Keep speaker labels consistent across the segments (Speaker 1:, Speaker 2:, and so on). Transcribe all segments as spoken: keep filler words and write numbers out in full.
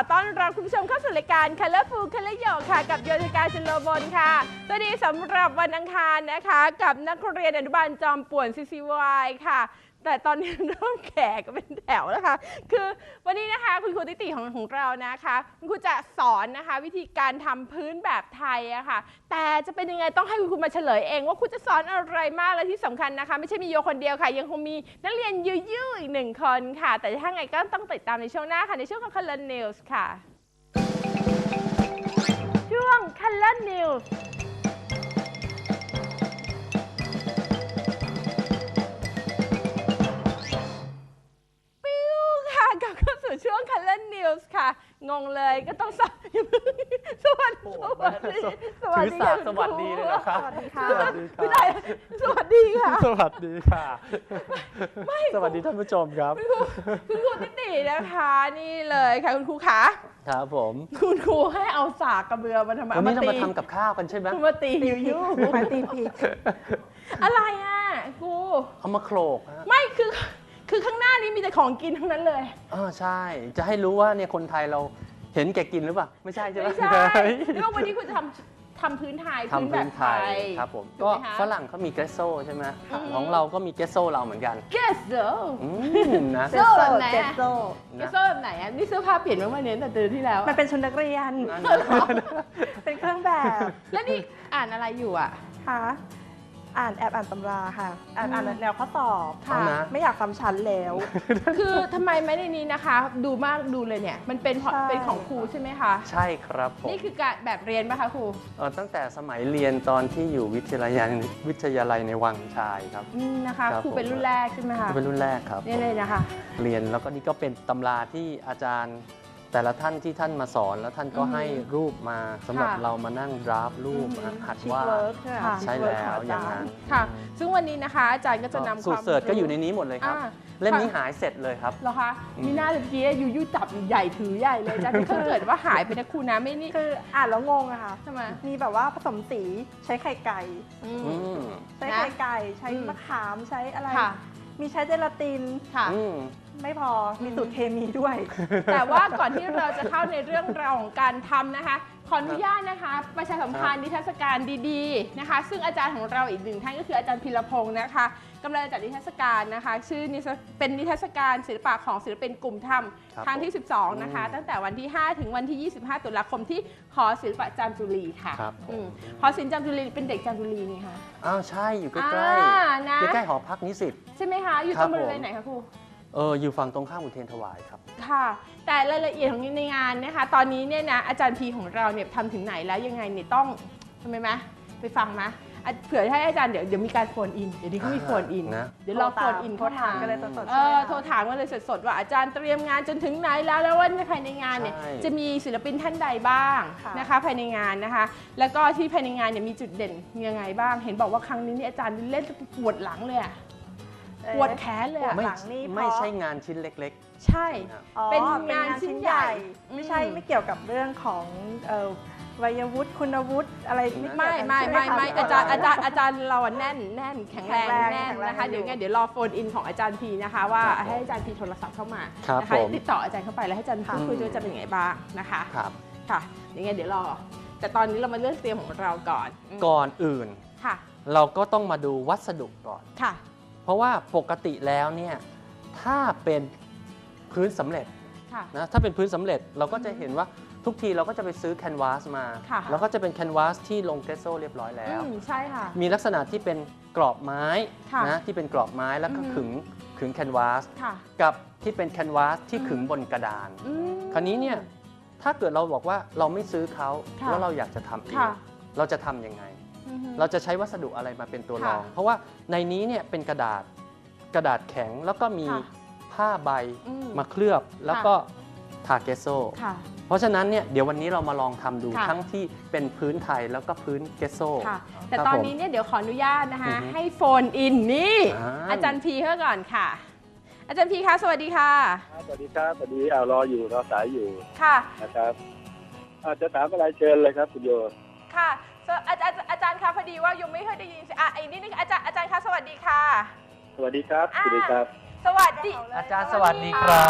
Speaker 1: ต้อนรับคุณผู้ชมเข้าสู่รายการ Colorful Color โยกค่ะกับโยธิกาชลบลค่ะสวัสดีสำหรับวันอังคารนะคะกับนักเรียนอนุบาลจอมป่วน ซี ซี วาย ค่ะแต่ตอนนี้เริ่มแก่ก็เป็นแถวแล้วค่ะคือวันนี้นะคะคุณครูติติของของเรานะคะคุณครูจะสอนนะคะวิธีการทำพื้นแบบไทยอะค่ะแต่จะเป็นยังไงต้องให้คุณครูมาเฉลยเองว่าคุณจะสอนอะไรมากและที่สำคัญนะคะไม่ใช่มีโยคนเดียวค่ะยังคงมีนักเรียนยูยูอีกหนึ่งคนค่ะแต่ถ้าไงก็ต้องติดตามในช่วงหน้าค่ะในช่วงของ Color News ค่ะช่วง Color Newsช่วง Color News ค่ะงงเลยก็ต้องสวัสดีสวัสดีสวัสดีค่ะ
Speaker 2: สวัสดีเลยนะครับ
Speaker 1: สวัสดีค่ะไม่ได้สวัสดีค่ะ
Speaker 2: สวัสดีค่ะสวัสดีท่านผู้ชมครับ
Speaker 1: คุณครูติตินะคะนี่เลยค่ะคุณครูขา
Speaker 2: ครับผม
Speaker 1: คุณครูให้เอาสากกระเบือมาทำไม
Speaker 2: วันนี้เรามาทำกับข้าวกันใช่ไหม
Speaker 1: มาตียูยูมาตีพีอะไรอ่ะครู
Speaker 2: เอามาโขลก
Speaker 1: ไม่คือคือข้างหน้านี้มีแต่ของกินทั้งนั้นเลย
Speaker 2: อ๋อใช่จะให้รู้ว่าเนี่ยคนไทยเราเห็นแก่กินหรือเปล่าไม่ใช่ใช่ไหม
Speaker 1: ไม่ใช่แล้ววันนี้คุณจะทำทำพื้นไทย
Speaker 2: ทำพื้นไทยครับผมก็ฝรั่งเขามีเกสโซใช่ไหมของเราก็มีเกสโซเราเหมือนกัน
Speaker 1: เกสโซ
Speaker 2: นะ
Speaker 1: เกสโซแบบไหนเกสโซเกสโซแบบไหนอ่ะนี่เสื้อผ้าเปลี่ยนมาเมื่อนี้แต่เดือนที่แล้ว
Speaker 3: มันเป็นชุดนักเรียนเป็นเครื่องแบบ
Speaker 1: แล้วนี่อ่านอะไรอยู่อ่ะ
Speaker 3: คะอ่านแอบอ่านตำราค่ะอ่านอ่านแนวข้อสอบ
Speaker 2: ค่ะ
Speaker 3: ไม่อยากซ้ำชั้นแล้ว
Speaker 1: คือทำไมไม่ในนี้นะคะดูมากดูเลยเนี่ยมันเป็นเป็นของครูใช่ไหมคะ
Speaker 2: ใช่ครับผม
Speaker 1: นี่คือการแบบเรียนป่ะคะครู
Speaker 2: เออตั้งแต่สมัยเรียนตอนที่อยู่วิทยาลัยวิทยาลัยในวังชายครับ
Speaker 1: นะคะครูเป็นรุ่นแรกใช่ไหมคะ
Speaker 2: เป็นรุ่นแรกครับ
Speaker 1: นี่เลยนะคะ
Speaker 2: เรียนแล้วก็นี่ก็เป็นตำราที่อาจารย์แต่ละท่านที่ท่านมาสอนแล้วท่านก็ให้รูปมาสำหรับเรามานั่งดราฟรูปหัดว่าใช่แล้วอย่างนั้น
Speaker 1: ค่ะซึ่งวันนี้นะคะอาจารย์ก็จะนำ
Speaker 2: สูตรเสิร์ชก็อยู่ในนี้หมดเลยครับเล่มนี้หายเสร็จเลยครับ
Speaker 1: เหรอคะมีหน้าเมื่อกี้ยูยูจับใหญ่ถือใหญ่เลยอาจารย์ถ้าเกิดว่าหายไปนะครูนะไม่นี่
Speaker 3: คืออ่านแล้วงงอะค่ะ
Speaker 1: ทำไม
Speaker 3: มีแบบว่าผสมสีใช้ไข่ไก่ใช้ไข่ไก่ใช้มะขามใช้อะไรมีใช้เจลาติน
Speaker 1: ค่ะ
Speaker 3: ไม่พอมีสูตรเคมีด้วย
Speaker 1: แต่ว่าก่อนที่เราจะเข้าในเรื่องราวของการทำนะคะขออนุญาตนะคะประชาสัมพันธ์นิทรรศการดีๆนะคะซึ่งอาจารย์ของเราอีกหนึ่งท่านก็คืออาจารย์พีรพงศ์นะคะกำลังจัดนิทรรศการนะคะชื่อเป็นนิทรรศการศิลปะของศิลปินกลุ่มธรรมครั้งที่สิบสองนะคะตั้งแต่วันที่ห้าถึงวันที่ยี่สิบห้าตุลาคมที่หอศิลปะจามจุรีค่ะหอศิลป์จามจุรีเป็นเด็กจามจุรีนี่ค่ะ
Speaker 2: อ้าวใช่อยู่ใกล้ๆใกล้ๆหอพักนิสิต
Speaker 1: ใช่ไหมคะอยู่ตรงบริเวณไหนคะครู
Speaker 2: เอออยู่ฝั่งตรงข้ามอุเทรนถวายครับ
Speaker 1: ค่ะแต่รายละเอียดของในงานนะคะตอนนี้เนี่ยนะอาจารย์พีของเราเนี่ยทำถึงไหนแล้วยังไงเนี่ยต้องทำไมไหมไปฟังไหมเผื่อให้อาจารย์เดี๋ยวเดี๋ยวมีการโฟนอินเดี๋ยวนี้เขามีโฟนอิน
Speaker 2: นะ
Speaker 1: เดี๋ยวเราโฟนอิน
Speaker 3: โทรถามกันเลยสด
Speaker 1: ๆเออโทรถามกันเลยสดๆว่าอาจารย์เตรียมงานจนถึงไหนแล้วแล้วว่าภายในงานเนี่ยจะมีศิลปินท่านใดบ้างนะคะภายในงานนะคะแล้วก็ที่ภายในงานเนี่ยมีจุดเด่นยังไงบ้างเห็นบอกว่าครั้งนี้นี่อาจารย์เล่นปวดหลังเลยอะปวดแขนเลยอะ
Speaker 2: ไม่ไม่ใช่งานชิ้นเล็ก
Speaker 1: ๆใช่เป็นงานชิ้นใหญ่
Speaker 3: ไม่ใช่ไม่เกี่ยวกับเรื่องของวัยวุฒิคุณวุฒิอะไร
Speaker 1: ไม่ไม่ไม่ไม่อาจารย์อาจารย์อาจารย์เราแน่นแน่นแข็งแรงแน่นนะคะเดี๋ยวไงเดี๋ยวรอโฟนอินของอาจารย์พีนะคะว่าให้อาจารย์พีโทรศัพท์เข้ามานะคะติดต่ออาจารย์เข้าไปแล้วให้อาจารย์พีคุยด้วยจะเป็นยังไงบ้างนะคะ
Speaker 2: ครับ
Speaker 1: ค่ะยังไงเดี๋ยวรอแต่ตอนนี้เรามาเลือกเตรียมของเราก่อน
Speaker 2: ก่อนอื่น
Speaker 1: ค่ะ
Speaker 2: เราก็ต้องมาดูวัสดุก่อน
Speaker 1: ค่ะ
Speaker 2: เพราะว่าปกติแล้วเนี่ยถ้าเป็นพื้นสำเร็จนะถ้าเป็นพื้นสำเร็จเราก็จะเห็นว่าทุกทีเราก็จะไปซื้อแคนวาสมาแล้วก็จะเป็นแคนวาสที่ลงเกสโซเรียบร้อยแล้ว
Speaker 1: ใช่ค่ะ
Speaker 2: มีลักษณะที่เป็นกรอบไม้นะที่เป็นกรอบไม้แล้วก็ขึงขึงแคนวาสกับที่เป็นแคนวาสที่ขึงบนกระดานคราวนี้เนี่ยถ้าเกิดเราบอกว่าเราไม่ซื้อเขาแล้วเราอยากจะทำเองเราจะทำยังไงเราจะใช้วัสดุอะไรมาเป็นตัวรองเพราะว่าในนี้เนี่ยเป็นกระดาษกระดาษแข็งแล้วก็มีผ้าใบมาเคลือบแล้วก็ทาเกสโซเพราะฉะนั้นเนี่ยเดี๋ยววันนี้เรามาลองทำดูทั้งที่เป็นพื้นไทยแล้วก็พื้นเกสโซ
Speaker 1: แต่ตอนนี้เนี่ยเดี๋ยวขออนุญาตนะคะให้โฟนอินนี่อาจารย์พีเข้าก่อนค่ะอาจารย์พีคะสวัสดีค่ะ
Speaker 4: สวัสดีครับสวัสดีเอารออยู่รอสายอยู่
Speaker 1: ค่ะ
Speaker 4: นะครับจะถามอะไรเชิญเลยครับคุณโย
Speaker 1: ค่ะอาจารย์อาจารย์คะพอดีว่ายังไม่เคยได้ยินอ่ะไอ้นี่นึงอาจารย์อาจารย์คะสวัสดีค่ะ
Speaker 4: สวัสดีครับสวัสดีครับ
Speaker 1: สวัสดี
Speaker 2: อาจารย์สวัสดีครับ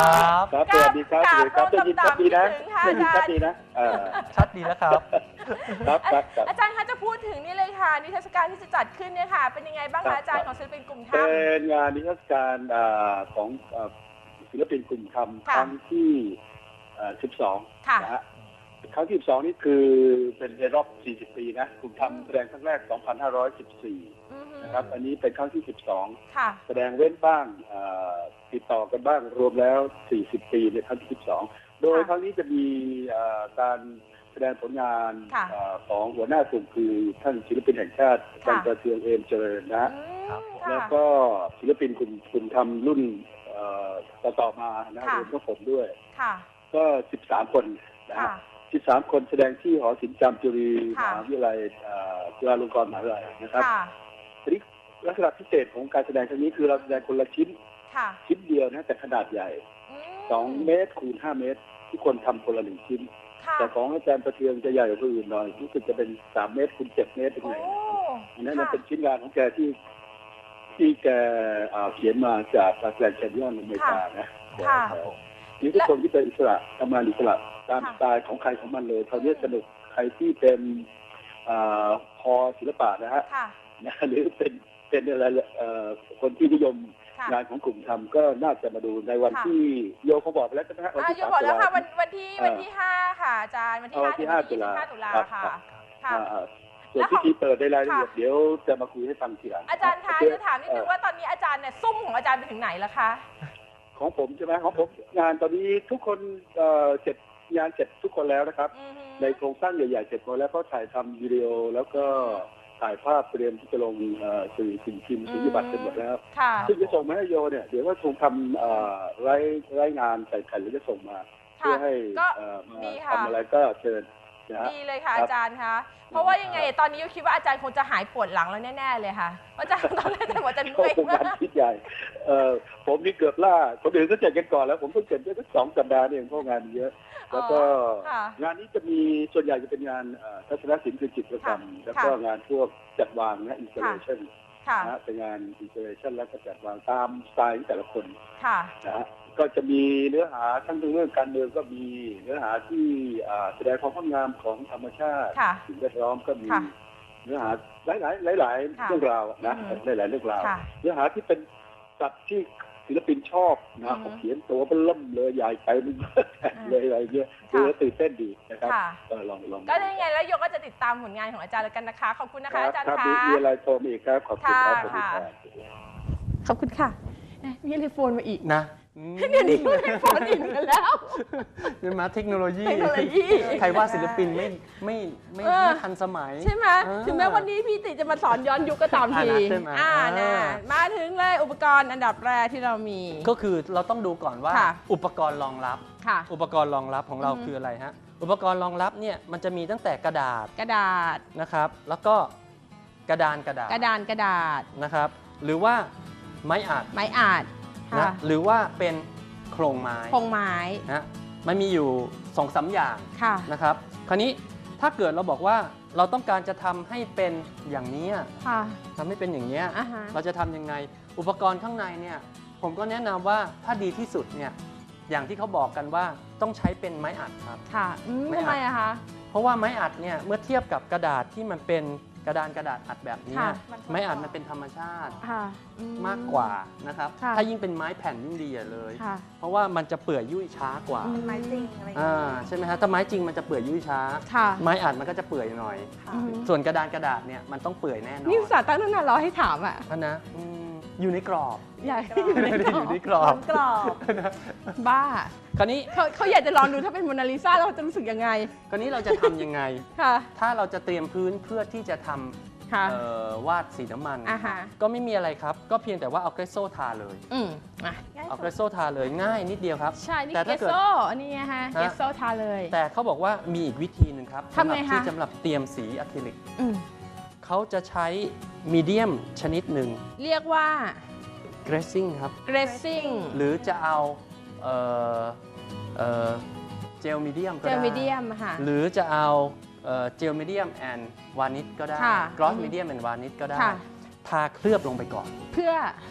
Speaker 4: ครับสวัสดีครับสวัสดีครับได้ยินชัดดีนะ
Speaker 1: ค่ะ
Speaker 4: ได้ยิน
Speaker 1: อา
Speaker 4: ชั
Speaker 1: จา
Speaker 4: ด
Speaker 1: รย์
Speaker 4: ดีนะเออ
Speaker 2: ชัดดีแล้วครับ
Speaker 4: ครับครับครับ
Speaker 1: อาจารย์คะจะพูดถึงนี่เลยค่ะนิทรรศการที่จะจัดขึ้นเนี่ยค่ะ เป็นยังไงบ้าง
Speaker 4: ครั
Speaker 1: คะ
Speaker 4: บ
Speaker 1: อาจารย์ของศิลปินกลุ่ม
Speaker 4: เป็
Speaker 1: ถ้ำ
Speaker 4: นงานนิทรรศการอ่าของอ่าศิลปินกลุ่มทำค
Speaker 1: ค่ะ
Speaker 4: รั้งที่อ่าสิบสอง
Speaker 1: ค่ะ
Speaker 4: นะฮะครั้งที่สิบสองนี่คือเป็นในรอบสี่สิบปีนะกลุ่มทำแสดงครั้งแรกสองพันห้าร้อยสิบสี่
Speaker 1: อือฮึ
Speaker 4: นะครับอันนี้เป็นครั้งที่สิบสอง
Speaker 1: ค่ะ
Speaker 4: แสดงเว้นบ้างอ่าติดต่อกันบ้างรวมแล้วสี่สิบปีในครั้งที่สิบสองโดย
Speaker 1: ค่ะ
Speaker 4: ครั้งนี้จะมีอ่าการแสดงผลงาน
Speaker 1: ค่ะ
Speaker 4: อ่าของหัวหน้ากลุ่มคือท่านศิลปินแห่งชาติอาจารย์ประเทืองเอมเจริญนะฮะ
Speaker 1: อืม
Speaker 2: ครับ
Speaker 1: ค่ะ
Speaker 4: แล้วก็ศิลปินกลุ่มกลุ่มทำรุ่นเอ่อต่อต่อมานะ
Speaker 1: ค่ะ
Speaker 4: รวมทั้งผมด้วย
Speaker 1: ค่ะ
Speaker 4: ก็สิบสามคนนะ
Speaker 1: ค่ะ
Speaker 4: ฮะสิบสามคนแสดงที่หอศิลป์จามจุรีม
Speaker 1: ค่ะ
Speaker 4: หาวิทยาลัยเอ่อจุฬาลงกรณ์มหาวิทยาลัยนะครับ
Speaker 1: ค่ะ
Speaker 4: ทีนี้ลักษณะพิเศษของการแสดงครั้งนี้คือเราแสดงคนละชิ้น
Speaker 1: ค่ะ
Speaker 4: ชิ้นเดียวนะแต่ขนาดใหญ่
Speaker 1: อืม
Speaker 4: สองเมตรคูณห้าเมตร ทุกคนทำคนละหนึ่งชิ้น
Speaker 1: ค่ะ
Speaker 4: แต่ของอาจารย์ประเทืองจะใหญ่กว่าคนอื่นหน่อยรู้สึกจะเป็นสามเมตรคูณเจ็ดเมตรเป็น
Speaker 1: โอ้
Speaker 4: ไงอันนั้น
Speaker 1: ค่ะ
Speaker 4: เป็นชิ้นงานของแกที่ ที่แกอ่าเขียนมาจากแกรนด์แคนยอนอเมริกานะ
Speaker 1: ค่ะ
Speaker 4: นี่ทุกคนที่เป็นอิสระทำงานอิสระตาม
Speaker 1: ค่ะ
Speaker 4: สไตล์ของใครของมันเลยคราวนี้สนุกใครที่เป็นอ่าคอศิลปะนะฮะ
Speaker 1: ค่ะ
Speaker 4: นะหรือเป็นเป็นอะไรเอ่อคนที่นิยม
Speaker 1: ค่ะ
Speaker 4: งานของกลุ่มทำก็น่าจะมาดูในวัน
Speaker 1: ค่ะ
Speaker 4: ที่โยเขาบอกไปแล้วใช่ไหมฮะวัน
Speaker 1: อ่า
Speaker 4: ที่
Speaker 1: อยู่
Speaker 4: สาม
Speaker 1: บอก
Speaker 4: ตุ
Speaker 1: แล้ว
Speaker 4: ลา
Speaker 1: ค่ะวันวันที่
Speaker 4: เอ่อ
Speaker 1: วันที่ห้าค่ะอาจารย์วันที่
Speaker 4: เอา
Speaker 1: ห้า
Speaker 4: วันที่
Speaker 1: ถึง
Speaker 4: ห้า
Speaker 1: วันที่ยี่สิบห้า
Speaker 4: ตุ
Speaker 1: ตุ
Speaker 4: ลา
Speaker 1: ลา
Speaker 4: ครับ
Speaker 1: ค่ะ
Speaker 4: ครับ
Speaker 1: ค่ะ
Speaker 4: อ่าส่วน
Speaker 1: แล้ว
Speaker 4: พิธีเปิดในรายละเอียด
Speaker 1: ค่ะ
Speaker 4: เดี๋ยวจะมาคุยให้ฟังทีหลัง
Speaker 1: อาจารย์คะ
Speaker 4: โเค
Speaker 1: จะถามนิดนึงว่าตอนนี้อาจารย์เนี่ยซุ่มของอาจารย์ไปถึงไหนแล้วคะ
Speaker 4: ของผมใช่ไหมของผมงานตอนนี้ทุกคนเอ่อเสร็จงานเสร็จทุกคนแล้วนะครับ
Speaker 1: อือฮึ
Speaker 4: ในโครงสร้างใหญ่ๆเสร็จหมดแล้วก็ถ่ายทำวิดีโอแล้วก็ถ่ายภาพเตรียมที่จะลงเอ่อสื่อสิ่งพิมพ์สิ่งพิบัติเสร็จหมดแล้ว
Speaker 1: ค่ะ
Speaker 4: ซึ่งจะส่งมาให้โยเนี่ยเดี๋ยวก็คงทำเอ่อรายรายงานใส่แผ่นแล้วจะส่งมา เพื่อให้
Speaker 1: ก็
Speaker 4: เอ่อมา
Speaker 1: ดีค่ะ
Speaker 4: ทำอะไรก็เชิญนะฮะ
Speaker 1: ดีเลยค่ะ
Speaker 4: ครับ
Speaker 1: อาจารย์คะเพราะว่ายังไงตอนนี้ยูคิดว่าอาจารย์คงจะหายปวดหลังแล้วแน่ๆเลยค่ะอาจารย์ตอนแรกแต่ว่าจะ
Speaker 4: ก็
Speaker 1: เมื่อย
Speaker 4: เป็นาน
Speaker 1: มางก
Speaker 4: ที่ใหญ่เอ่อผมนี่เกือบล่าคนอื่นก็เสร็จกันก่อนแล้วผมเพิ่งเสร็จได้สักสองสัปดาห์นี่เองเพราะงานเยอะ แล้วก็
Speaker 1: ค่ะ
Speaker 4: งานนี้จะมีส่วนใหญ่จะเป็นงานเอ่อทัศนศิลป์คือจิตรกรรม
Speaker 1: ค่ะ
Speaker 4: แล้วก็งานพวกจัดวางนะอินสตาเลชัน
Speaker 1: ค่ะ
Speaker 4: นะฮะเป็นงานอินสตาเลชันแล้วก็จัดวางตามสไตล์ของแต่ละคน
Speaker 1: ค่ะ
Speaker 4: นะฮะก็จะมีเนื้อหาทั้งเรื่องการเมืองก็มีเนื้อหาที่อ่าแสดงความงดงามของธรรมชาติ
Speaker 1: ค่ะ
Speaker 4: สิ่งแวดล้อมก็มี
Speaker 1: ค่ะ
Speaker 4: เนื้อหาหลายหลายหลายๆ
Speaker 1: ค่ะ
Speaker 4: เรื่องราวนะ
Speaker 1: อืม
Speaker 4: หลายหลายๆเรื่องราว
Speaker 1: ค่ะ
Speaker 4: เนื้อหาที่เป็นสัตว์ที่ศิลปินชอบนะ
Speaker 1: อืม
Speaker 4: เขาเขียนตัวเป็นล่มเลยใหญ่ไปมันเลยอะไรเงี้ยดูแล้วตื่นเต้นดีนะครับ
Speaker 1: ค่ะ
Speaker 4: ก็ลองลอง
Speaker 1: ก็ยังไงแล้วโยก็จะติดตามผลงานของอาจารย์แล้วกันนะคะ ขอบคุณนะคะอาจารย์
Speaker 4: ครับ
Speaker 1: คะ
Speaker 4: มีมีอะไรโทรมาอีกครับขอบคุณครับ
Speaker 1: ค่ะ
Speaker 4: สวัสดีครับ
Speaker 1: ขอบคุณค่ะเอ๊ะมีเทเลโฟนมาอีก
Speaker 2: นะ
Speaker 1: เดี๋ยวนี้เทเลโฟนอีกกันแล้ว
Speaker 2: เป็นมาเทคโนโลยี
Speaker 1: เทคโนโลยี
Speaker 2: ใครว่าศิลปินไม่ไม่ไม่
Speaker 1: เออ
Speaker 2: ไม่ทันสมัย
Speaker 1: ใช่ไหม
Speaker 2: เออ
Speaker 1: ถึงแม้วันนี้พี่ติจะมาสอนย้อนยุคก็ตามที
Speaker 2: อ่านะใช่ไหม
Speaker 1: อ่า
Speaker 2: เอ
Speaker 1: นะ
Speaker 2: อ
Speaker 1: มาถึงเลยอุปกรณ์อันดับแรกที่เรามี
Speaker 2: ก็คือเราต้องดูก่อนว่า
Speaker 1: ค่ะ
Speaker 2: อุปกรณ์รองรับ
Speaker 1: ค่ะ
Speaker 2: อุปกรณ์รองรับของเรา
Speaker 1: อือฮึ
Speaker 2: คืออะไรฮะ อุปกรณ์รองรับเนี่ยมันจะมีตั้งแต่กระดาษ
Speaker 1: กระดาษ
Speaker 2: นะครับ แล้วก็กระดานกระดาษ
Speaker 1: กระดานกระดาษ
Speaker 2: นะครับ หรือว่าไม้อัด
Speaker 1: ไม้อาด
Speaker 2: นะ
Speaker 1: ค่ะ
Speaker 2: หรือว่าเป็นโครงไม้
Speaker 1: โครงไม้
Speaker 2: นะมันมีอยู่สองสามอย่าง
Speaker 1: ค่ะ
Speaker 2: นะครับ คราวนี้ถ้าเกิดเราบอกว่าเราต้องการจะทำให้เป็นอย่างนี้
Speaker 1: ค่ะ
Speaker 2: ทำให้เป็นอย่างนี้ย
Speaker 1: อ่าฮะ
Speaker 2: เราจะทำยังไง อุปกรณ์ข้างในเนี่ยผมก็แนะนำว่าถ้าดีที่สุดเนี่ยอย่างที่เขาบอกกันว่าต้องใช้เป็นไม้อัดครับ
Speaker 1: ค่ะอืม
Speaker 2: ไม่
Speaker 1: ทำไม
Speaker 2: อาจ
Speaker 1: อะคะ
Speaker 2: เพราะว่าไม้อัดเนี่ยเมื่อเทียบกับกระดาษที่มันเป็นกระดานกระดาษอัดแบบนี้
Speaker 1: ค่ะ
Speaker 2: ไม้อัดมันเป็นธรรมชาติ
Speaker 1: ค่ะอื
Speaker 2: มากกว่านะครับ
Speaker 1: ค่ะ
Speaker 2: ถ้ายิ่งเป็นไม้แผ่นยิ่งดีอะเลย
Speaker 1: ค่ะ
Speaker 2: เพราะว่ามันจะเปื่อยยุ่ยช้ากว่า
Speaker 1: อื
Speaker 3: เป็นไม้จริงอะไรอย่างเงี้
Speaker 2: อ่าย ใช่ไหมฮะถ้าไม้จริงมันจะเปื่อยยุ่ยช้า
Speaker 1: ค่ะ
Speaker 2: ไม้อัดมันก็จะเปื่อยหน่อย
Speaker 3: ค่ะ
Speaker 1: อืม
Speaker 2: ส่วนกระดานกระดาษเนี่ยมันต้องเปื่อยแน่นอน
Speaker 1: นี่อุตส่าห์ตั้งตั้งนานรอให้ถามอ่ะ
Speaker 2: ท่านนะอืมอยู่ในกรอบ
Speaker 1: อยากให้อยู่ใน
Speaker 2: ไม่ได้
Speaker 1: กร
Speaker 2: อ
Speaker 1: อยู่
Speaker 2: ใน
Speaker 1: บ
Speaker 2: กรอบ
Speaker 3: กรอบ
Speaker 1: บ้า
Speaker 2: คราวนี้
Speaker 1: เขาเขาอยากจะลองดูถ้าเป็นโมนาลิซาเราจะรู้สึกยังไง
Speaker 2: คราวนี้เราจะทำยังไง
Speaker 1: ค่ะ
Speaker 2: ถ้าเราจะเตรียมพื้นเพื่อที่จะทำ
Speaker 1: ค่ะ
Speaker 2: เอ่อวาดสีน้ำมัน
Speaker 1: อ่าฮะ
Speaker 2: ก็ไม่มีอะไรครับ ก็เพียงแต่ว่าเอาเกรสโซทาเลย
Speaker 1: อืมอ่ะ
Speaker 3: ง่าย
Speaker 2: เอา
Speaker 3: สุ
Speaker 2: เกร
Speaker 3: ด
Speaker 2: สโซทาเลยง่ายนิดเดียวครับ
Speaker 1: ใช่ นี่
Speaker 2: แต่
Speaker 1: เก
Speaker 2: ถ้า
Speaker 1: ส
Speaker 2: เกิด
Speaker 1: โซอันนี้ฮะ
Speaker 2: ฮะ
Speaker 1: เกสโซทาเลย
Speaker 2: แต่เขาบอกว่ามีอีกวิธีหนึ่งครับ
Speaker 1: ทำไง
Speaker 2: สำหรับ
Speaker 1: คะ
Speaker 2: ที่สำหรับเตรียมสีอะคริลิก
Speaker 1: อืม
Speaker 2: เขาจะใช้มีเดียมชนิดหนึ่ง
Speaker 1: เรียกว่า
Speaker 2: เกรสซิ่งครับ
Speaker 1: dressing
Speaker 2: หรือจะเอาเอ่อเอ่อเจลมีเดียมก็
Speaker 1: เจ
Speaker 2: ได้
Speaker 1: ลมีเดียมค่ะ
Speaker 2: หรือจะเอาเอ่อเจลมีเดียมแอนด์วานิชก็ได้
Speaker 1: ค่ะ
Speaker 2: กรอส
Speaker 1: อืม
Speaker 2: มีเดียมแอนด์วานิชก็ได้
Speaker 1: ค่ะ
Speaker 2: ทาเคลือบลงไปก่อน
Speaker 1: เพื่อ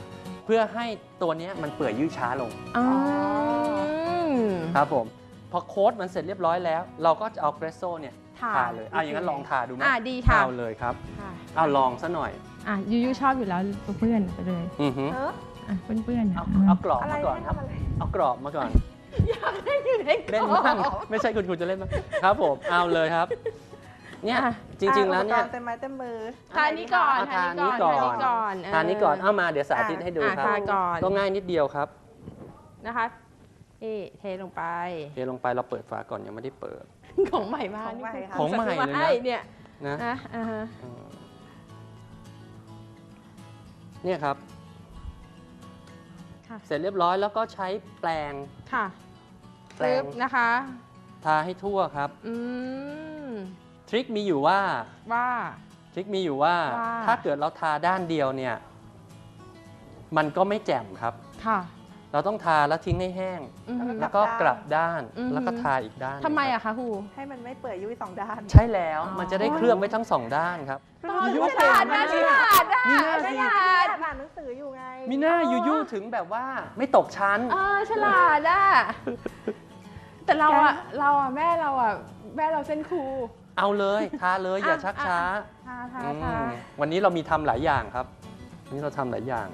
Speaker 2: เพื่อให้ตัวเนี้ยมันเปื่อยยืดช้าลง
Speaker 1: อ๋อ
Speaker 2: ครับผมพอโค้ดมันเสร็จเรียบร้อยแล้ว เราก็จะเอาเกรสโซ่เนี่ย
Speaker 1: ทา
Speaker 2: ทาเลยอ่ะอย่างนั้นลองทาดูไหม
Speaker 1: อ่ะดีค่ะ
Speaker 2: เอาเลยครับ
Speaker 1: ค่ะ
Speaker 2: เอาลองซะหน่อย
Speaker 5: อ่ะยูยูชอบอยู่แล้วเพื่อนๆไปเลย
Speaker 2: อือหือ
Speaker 3: เออ
Speaker 5: อ่ะเพื่อนๆ
Speaker 2: เอา
Speaker 5: อ่ะ
Speaker 2: เอากรอบ
Speaker 3: อะไร
Speaker 2: มาก่อนครับ
Speaker 3: ให้ทำอะไร
Speaker 2: เอากรอบมาก่อน
Speaker 1: อยากให้อยู่ใน
Speaker 2: เล่นบ้างไม่ใช่คุณครูจะเล่นบ้างครับผมเอาเลยครับเนี่ยจริงๆแล้วเนี่ย
Speaker 3: อุปกรณ์เต็มไม้เต็มมือ
Speaker 1: ทานี้ก่อน
Speaker 2: เอา
Speaker 1: ทา
Speaker 2: ทา
Speaker 1: นี้
Speaker 2: นี้
Speaker 1: ก่
Speaker 2: ก่
Speaker 1: อ
Speaker 2: อน น
Speaker 1: ทานี้ก่อน
Speaker 2: ทานี้ก่อนเอามาเดี๋ยวสาธิตให้ดู
Speaker 1: อ่ะ
Speaker 2: ครับ
Speaker 1: ทาก่อน
Speaker 2: ก็ง่ายนิดเดียวครับ
Speaker 1: นะคะนี่เทลงไป
Speaker 2: เทลงไปเราเปิดฝาก่อนยังไม่ได้เปิด
Speaker 1: ของใหม่มา
Speaker 3: ของใหม่
Speaker 1: นี่
Speaker 3: ค่ะ
Speaker 2: ของใหม่เลยนะ
Speaker 1: ซื้อาให้เนี่ย
Speaker 2: นะ
Speaker 1: นะอ่าฮะ
Speaker 2: อืมเนี่ยครับ
Speaker 1: ค่ะ
Speaker 2: เสร็จเรียบร้อยแล้วก็ใช้แปรง
Speaker 1: ค่ะ
Speaker 2: แปรง
Speaker 1: ปึ๊บนะคะ
Speaker 2: ทาให้ทั่วครับ
Speaker 1: อืม
Speaker 2: ทริคมีอยู่ว่า
Speaker 1: ว่า
Speaker 2: ทริคมีอยู่ว่า
Speaker 1: ว่า
Speaker 2: ถ้าเกิดเราทาด้านเดียวเนี่ย มันก็ไม่แจ่มครับ
Speaker 1: ค่ะ
Speaker 2: เราต้องทาแล้วทิ้งให้แห้ง
Speaker 1: อือฮึ
Speaker 2: แล้วก็กลับด้าน
Speaker 1: อือฮึ
Speaker 2: แล้วก็ทาอีกด้าน
Speaker 1: ทำไม
Speaker 2: ครั
Speaker 1: อะ
Speaker 2: บ
Speaker 1: คะครู
Speaker 3: ให้มันไม่เปื่อยยุ่ยสองด้าน
Speaker 2: ใช่แล้ว
Speaker 1: อ๋อ
Speaker 2: มันจะได้เคลือบไว้ทั้งสองด้านครับ
Speaker 1: ตอน
Speaker 2: ยู
Speaker 1: ฉลาดนะฉลาดอะ
Speaker 2: มีหน้า
Speaker 1: ฉ
Speaker 2: สิ
Speaker 1: ลาด
Speaker 3: อ่านหนังสืออยู่ไง
Speaker 2: มีหน้ายูยูถึงแบบว่าไม่ตกชั้น
Speaker 1: เออฉลาดอะแต่เราอะเราอะแม่เราอะแม่เราเส้นครู
Speaker 2: เอาเลยทาเลยอย่าชักช้า
Speaker 1: ทาทา
Speaker 2: อื
Speaker 1: ทาม
Speaker 2: วันนี้เรามีทำหลายอย่างครับวันนี้เราทำหลายอย่าง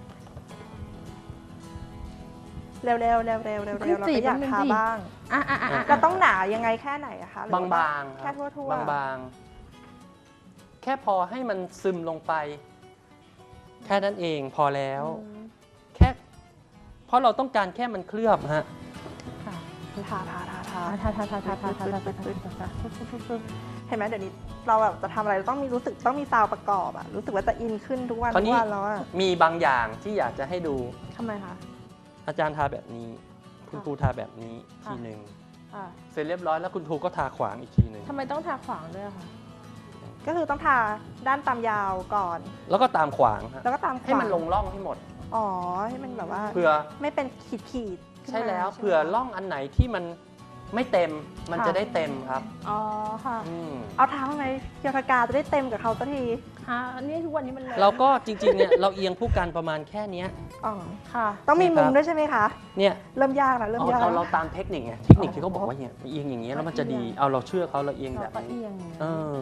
Speaker 3: เร็วๆเร็วๆเร็วๆเร็วๆเราก็อยากทาบ้าง
Speaker 1: อ่ะอ่ะอ่ะ
Speaker 3: เราต้องหนายังไงแค่ไหนอะคะหรือว่
Speaker 2: บางๆค
Speaker 3: แค่
Speaker 2: รับ
Speaker 3: ทั่วๆ
Speaker 2: บางๆ แค่พอให้มันซึมลงไป แค่นั้นเองพอแล้ว
Speaker 3: อืม
Speaker 2: แค่ เพราะเราต้องการแค่มันเคลือบฮะ
Speaker 1: ค่ะ
Speaker 3: ทาทาทาทา
Speaker 1: ทาทาทาทาทาทาทาทาทา
Speaker 3: เห็นไหมเดี๋ยวนี้เราแบบจะทำอะไรเราต้องมีรู้สึกต้องมีซาวด์ประกอบอะรู้สึกว่าจะอินขึ้นทุกวัน
Speaker 2: คราว
Speaker 3: ทุ
Speaker 2: นี้
Speaker 3: กวันแล้วอะ
Speaker 2: มีบางอย่างที่อยากจะให้ดู
Speaker 3: ทำไมคะ
Speaker 2: อาจารย์ทาแบบนี้ คุณครูทาแบบนี้
Speaker 1: ค่ะ
Speaker 2: ทีหนึ่ง
Speaker 1: อ่ะ
Speaker 2: เสร็จเรียบร้อยแล้วคุณครูก็ทาขวางอีกทีหนึ่ง
Speaker 1: ทำไมต้องทาขวางด้วยอะคะ
Speaker 3: ก็คือต้องทาด้านตามยาวก่อน
Speaker 2: แล้วก็ตามขวางฮะ
Speaker 3: แล้วก็ตามขวา
Speaker 2: ให้มันลงร่องให้หมด
Speaker 3: อ๋อให้มันแบบว่า
Speaker 2: เผื่อ
Speaker 3: ไม่เป็นขีดขีดๆขึ้น
Speaker 2: ใช่แล้ว
Speaker 3: มา
Speaker 2: เผื่อ
Speaker 3: ใช่ไหม
Speaker 2: ร่องอันไหนที่มันไม่เต็ม มัน
Speaker 1: ค่ะ
Speaker 2: จะได้เต็มครับ
Speaker 1: อ๋อค่ะ
Speaker 2: อืม
Speaker 3: เอาเท้าไหมเกียวทากาจะได้เต็มกับเขาสักที
Speaker 1: ฮะอันนี้ทุกวันนี้มันเลย
Speaker 2: เราก็จริงๆเนี่ยเราเอียงผู้กันประมาณแค่เนี้ย
Speaker 3: อ๋อ
Speaker 1: ค่ะ
Speaker 3: ต้องมี
Speaker 2: นี่ครั
Speaker 3: มุ
Speaker 2: บ
Speaker 3: มด้วยใช่ไหมคะ
Speaker 2: เนี่ย
Speaker 3: เริ่มยากแล้วเริ่ม
Speaker 2: เอา
Speaker 3: ยาก
Speaker 2: เอาเราตามเทคนิคไงเทคนิคที่เขาบอกว่าเนี่ยเอียงอย่างเงี้ยแล้วมันจะดี เอาเราเชื่อเขาเราเอียง
Speaker 1: เรา
Speaker 2: แบบ
Speaker 1: ก็
Speaker 2: นี้
Speaker 1: เอียงอย่างนี้
Speaker 2: เออ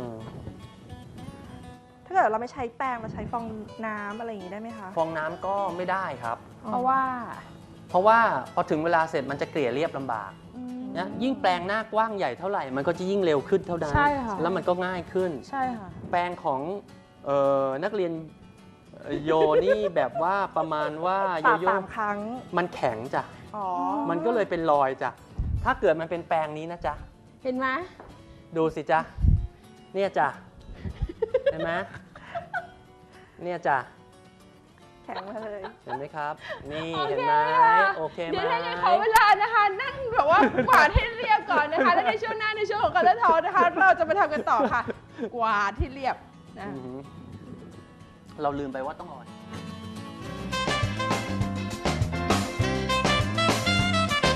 Speaker 3: ถ้าเกิดเราไม่ใช้แป้งเราใช้ฟองน้ำอะไรอย่างงี้ได้ไหมคะ
Speaker 2: ฟองน้ำก็ไม่ได้ครับ
Speaker 1: เพราะว่า
Speaker 2: เพราะว่าพอถึงเวลาเสร็จมันจะเกลี่ยเรียบลำบาก
Speaker 1: อืม
Speaker 2: นะยิ่งแปลงหน้ากว้างใหญ่เท่าไหร่ มันก็จะยิ่งเร็วขึ้นเท่านั้น
Speaker 1: ใช่ค่ะ
Speaker 2: แล้วมันก็ง่ายขึ้น
Speaker 1: ใช่ค่ะ
Speaker 2: แปลงของเอ่อนักเรียนเอ่อโยนี่แบบว่าประมาณว่าโย
Speaker 3: ปาด
Speaker 2: โย่
Speaker 3: สามครั้ง
Speaker 2: มันแข็งจ้ะ
Speaker 3: อ๋อ
Speaker 2: มันก็เลยเป็นรอยจ้ะถ้าเกิดมันเป็นแปลงนี้นะจ๊ะ
Speaker 1: เห็นไหม
Speaker 2: ดูสิจ๊ะเนี่ยจ้ะเห็นไหมเนี่ยจ้ะ
Speaker 3: แข็งมาเลย
Speaker 2: เห็นไหมครับ นี่
Speaker 1: โอเค
Speaker 2: เห็นไหม
Speaker 1: ค่ะ
Speaker 2: โอเคไหม
Speaker 1: เดี๋ยวถ้าอย่างนขอเวลานะคะ นั่งแบบว่ากวาดให้เรียบก่อนนะคะ แล้วในช่วงหน้าในช่วงของการเล่นทอนะคะ เราจะมาทำกันต่อค่ะ กวาดที่เรียบนะ
Speaker 2: อือหือเราลืมไปว่าต้องเอา